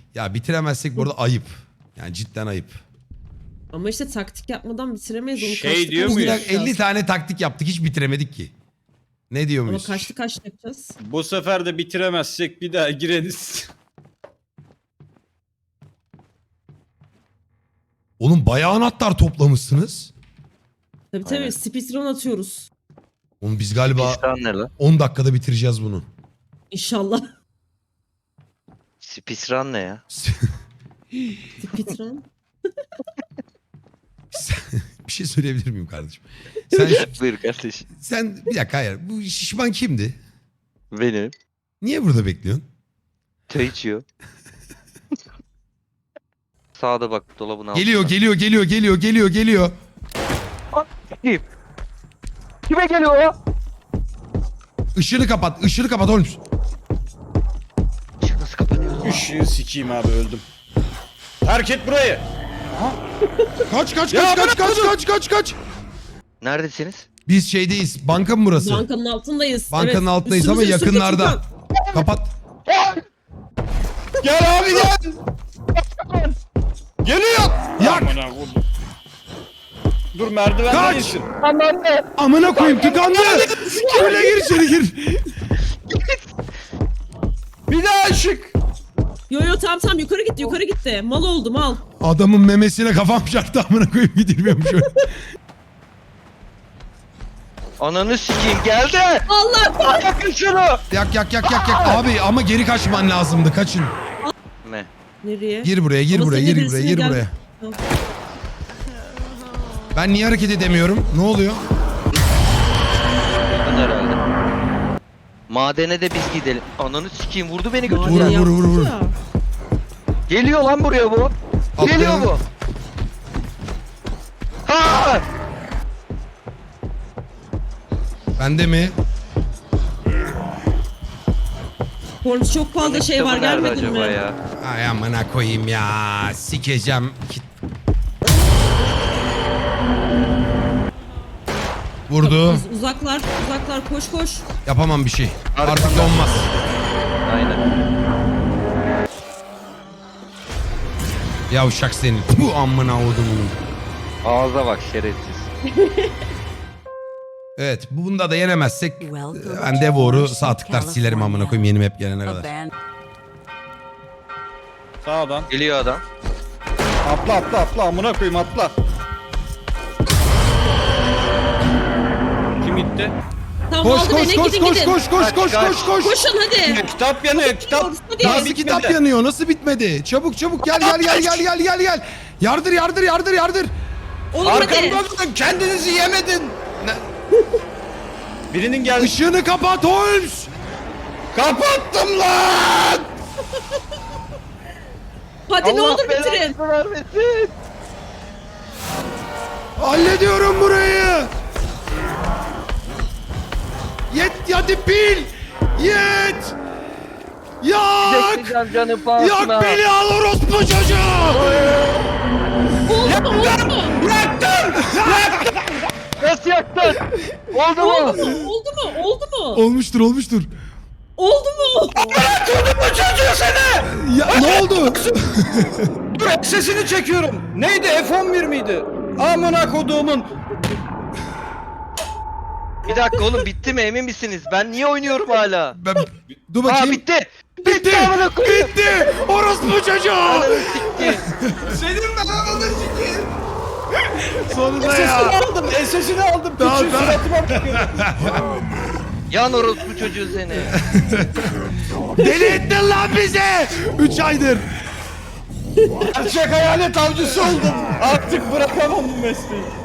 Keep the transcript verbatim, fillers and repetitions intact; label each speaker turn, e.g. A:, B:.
A: Ya bitiremezsek burada ayıp. Yani cidden ayıp.
B: Ama işte taktik yapmadan bitiremeyiz onu.
C: Şey
B: kaçtı
C: diyor
B: kaçtı
C: muyuz?
B: yapacağız.
A: elli tane taktik yaptık hiç bitiremedik ki. Ne diyor
B: Ama
A: muyuz?
B: kaçtı kaçtı yapacağız.
C: Bu sefer de bitiremezsek bir daha gireriz.
A: Oğlum bayağı anahtar toplamışsınız.
B: Tabii
D: Aynen.
B: tabii speedrun atıyoruz.
A: Oğlum biz galiba
D: Speedrun nerede?
A: on dakikada bitireceğiz bunu.
B: İnşallah.
D: Speedrun ne ya?
B: Speedrun.
A: Bir şey söyleyebilir miyim kardeşim? Sen,
D: Buyur kardeşim.
A: sen bir dakika hayır. Bu şişman kimdi?
D: Benim.
A: Niye burada bekliyorsun?
D: Çay içiyor. Sağda bak dolabın altında.
A: Geliyor geliyor geliyor geliyor geliyor geliyor.
D: Kim? Kime geliyor o?
A: Işığını kapat ışığını kapat oğlum.
D: Işık nasıl kapanıyor?
C: Işığı sikeyim abi öldüm. Terk et burayı.
A: Kaç kaç
C: Ya
A: kaç kaç
C: bırak
A: kaç
C: bunu.
A: kaç kaç kaç.
D: Neredesiniz?
A: Biz şeydeyiz. Banka mı burası?
B: Bankanın altındayız.
A: Bankanın
B: Evet.
A: altındayız ama
B: Üstümüze, üstümüze
A: yakınlarda.
B: Furkan.
A: Kapat.
C: Gel abi gel. Geliyor.
A: Yak.
C: Amına koydum. Dur merdivenden
A: Kaç.
C: insin.
A: Amına koyayım tıkandı. Öyle gir içeri gir.
C: Bir daha ışık.
B: Yo yo tamam tamam yukarı gitti yukarı gitti. Mal oldu mal.
A: Adamın memesine kafam çarptı amına koyayım gidilmiyormuş öyle.
D: Ananı sikeyim geldi.
B: Allah
D: Yakın şunu.
A: Yak yak yak yak yak. Abi ama geri kaçman lazımdı kaçın.
D: Ne?
B: Nereye?
A: Gir buraya gir
B: Ama
A: buraya
B: senin
A: gir buraya
B: birisine
A: gir
B: gel-
A: buraya. Ben niye hareket edemiyorum? Ne oluyor?
D: Yakın herhalde. Madene de biz gidelim. Ananı sikeyim vurdu beni götürdü.
A: Vur,
B: Maden
A: vur, vur, vur.
B: yaptık ya.
D: Geliyor lan buraya bu.
A: Atla.
D: Geliyor bu. Ha!
A: Bende mi?
B: Kornus çok fazla şey var
D: Kitabı nerede
B: gelmedin mi?
D: acaba ya?
A: Ay amına koyayım ya. Sikeceğim. Kit- Vurdu.
B: Uz- uzaklar uzaklar koş koş.
A: Yapamam bir şey. Artık
D: Arkamda.
A: donmaz.
D: Aynen.
A: Yavşak senin. Bu amına odumun.
D: Ağza bak şerefsiz.
A: Evet bunda da yenemezsek ben Devor'u sağ tıklar silerim amına koyayım yeni map gelene kadar.
C: Sağdan.
D: Geliyor adam.
C: Atla atla atla amına koyayım atla. Kim gitti?
B: Tamam
A: Koş
B: oldu
A: koş
B: beni
A: koş
B: gidin
A: koş
B: gidin.
A: koş koş
D: Kaç,
A: koş
D: kaç.
A: koş koş.
B: Koşun hadi.
C: Kitap yanıyor kitap.
B: Hadi.
C: Daha
A: Nasıl
C: bitmedi.
A: kitap yanıyor? Nasıl bitmedi? Çabuk çabuk gel gel gel gel gel gel gel. Yardır yardır yardır yardır.
B: Oğlum hadi.
C: Arkamda mısın? Kendinizi yemedin. Birinin geldi.
A: Işığını kapat Holmes.
C: Kapattım lan.
B: Hadi ne
D: Allah
B: olur bitirin.
D: belanı vermesin.
A: Hallediyorum burayı. Yet hadi pil. Yet. Yak.
D: Bekleyeceğim canım pahasına.
A: Yak beni al orospu çocuğu.
B: Oldu mu oldu mu?
D: Nasıl yaktın? Oldu
B: Oldu
D: mu?
B: mu? Oldu mu? Oldu mu?
A: Olmuştur olmuştur.
B: Oldu mu?
C: Bu çocuğu seni.
A: Ya ne oldu?
C: Dur sesini çekiyorum. Neydi F on bir miydi? Amına koduğumun.
D: Bir dakika oğlum bitti mi emin misiniz? Ben niye oynuyorum hala?
A: Ben, dur
D: Aa
A: bakayım.
D: bitti.
A: Bitti.
D: amına koyayım.
A: Bitti. Orospu çocuğu.
D: Ananı sikti.
C: Senin ben ananı sikeyim.
A: Sonunda
C: Sesini
A: ya.
C: aldım. Sesini aldım.
A: Tamam,
C: Küçük
A: tamam.
C: suratıma bakıyor.
D: Yan orospu çocuğu seni.
A: Deli ettin lan bizi. Üç aydır.
C: Gerçek hayalet avcısı oldum. Artık bırakamam bu mesleği.